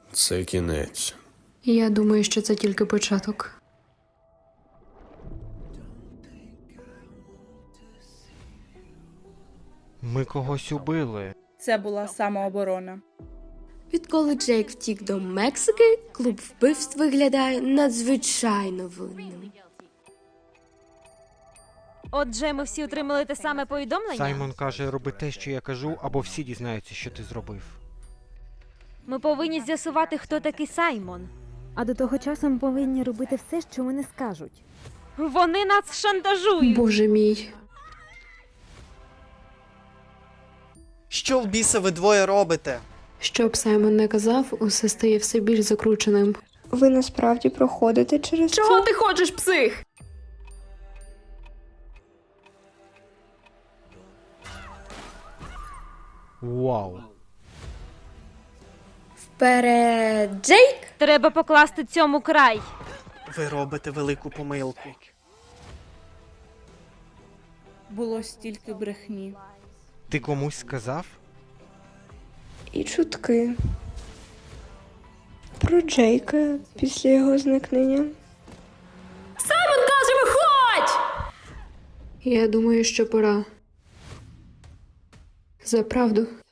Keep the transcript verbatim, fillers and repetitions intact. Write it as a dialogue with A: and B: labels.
A: Це кінець.
B: Я думаю, що це тільки початок.
C: Ми когось убили.
D: Це була самооборона.
E: Відколи Джейк втік до Мексики, клуб вбивств виглядає надзвичайно винним.
F: Отже, ми всі отримали те саме повідомлення?
C: Саймон каже, роби те, що я кажу, або всі дізнаються, що ти зробив.
F: Ми повинні з'ясувати, хто такий Саймон.
G: А до того часу ми повинні робити все, що вони скажуть.
F: Вони нас шантажують.
B: Боже мій.
H: Що в біса ви двоє робите?
B: Що б Саймон не казав, усе стає все більш закрученим.
I: Ви насправді проходите через
B: Чого
I: це?
B: ти хочеш, псих?
C: Вау.
E: Вперед, Джейк!
F: Треба покласти цьому край.
H: Ви робите велику помилку.
D: Було стільки брехні.
C: Ти комусь сказав?
I: І чутки. Про Джейка після його зникнення.
B: Я думаю, що пора. За правду.